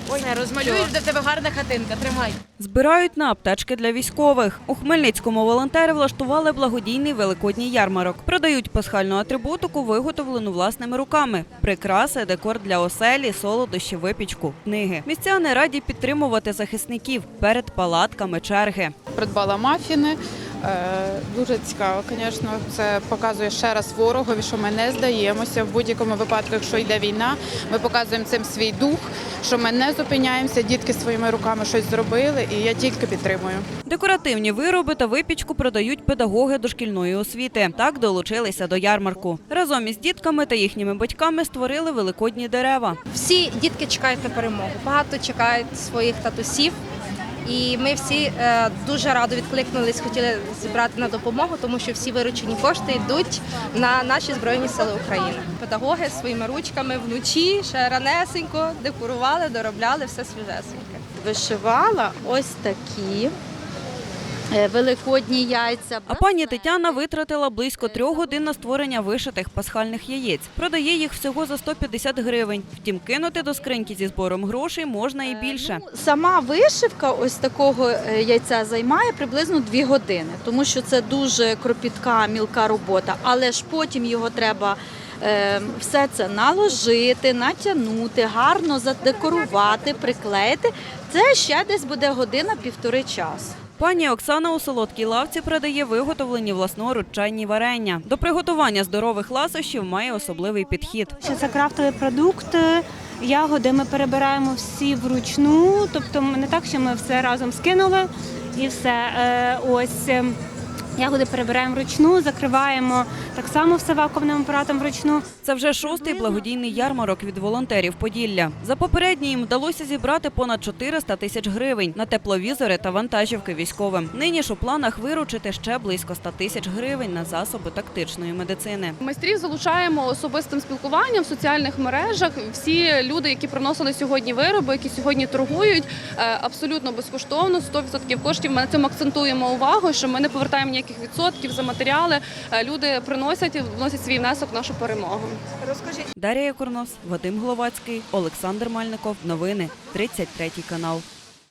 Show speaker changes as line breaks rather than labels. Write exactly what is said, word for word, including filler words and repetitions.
Все, розмалюєш, де в тебе гарна хатинка, тримай.
Збирають на аптечки для військових. У Хмельницькому волонтери влаштували благодійний великодній ярмарок. Продають пасхальну атрибутику, виготовлену власними руками. Прикраси, декор для оселі, солодощі, випічку, книги. Містяни раді підтримувати захисників. Перед палатками черги.
Придбала мафіни. Дуже цікаво, звісно, це показує ще раз ворогові, що ми не здаємося. В будь-якому випадку, якщо йде війна, ми показуємо цим свій дух, що ми не зупиняємося, дітки своїми руками щось зробили, і я тільки підтримую.
Декоративні вироби та випічку продають педагоги дошкільної освіти. Так долучилися до ярмарку. Разом із дітками та їхніми батьками створили великодні дерева.
Всі дітки чекають на перемогу, багато чекають своїх татусів. І ми всі дуже радо відкликнулись, хотіли зібрати на допомогу, тому що всі виручені кошти йдуть на наші Збройні Сили України. Педагоги своїми ручками вночі ще ранесенько декорували, доробляли все свіжесеньке.
Вишивала ось такі великодні яйця.
А пані Тетяна витратила близько трьох годин на створення вишитих пасхальних яєць. Продає їх всього за сто п'ятдесят гривень. Втім, кинути до скриньки зі збором грошей можна і більше.
Ну, сама вишивка ось такого яйця займає приблизно дві години, тому що це дуже кропітка, мілка робота. Але ж потім його треба е, все це наложити, натягнути, гарно задекорувати, приклеїти. Це ще десь буде година-півтори часу.
Пані Оксана у солодкій лавці продає виготовлені власноруч чайні варення. До приготування здорових ласощів має особливий підхід.
Це крафтовий продукт, ягоди ми перебираємо всі вручну, тобто не так, що ми все разом скинули і все. Ось ягоди перебираємо вручну, закриваємо так само все вакуумним апаратом вручну.
Це вже шостий благодійний ярмарок від волонтерів Поділля. За попередній їм вдалося зібрати понад чотириста тисяч гривень на тепловізори та вантажівки військовим. Нині ж у планах виручити ще близько ста тисяч гривень на засоби тактичної медицини.
Майстрів залучаємо особистим спілкуванням в соціальних мережах. Всі люди, які приносили сьогодні вироби, які сьогодні торгують, абсолютно безкоштовно, сто відсотків коштів. Ми на цьому акцентуємо увагу, що ми не повертаємо ніяких відсотків за матеріали. Люди приносять, вносять свій внесок в нашу перемогу.
Розкажіть. Дар'я Курнос, Вадим Гловацький, Олександр Мальников. Новини. тридцять третій канал.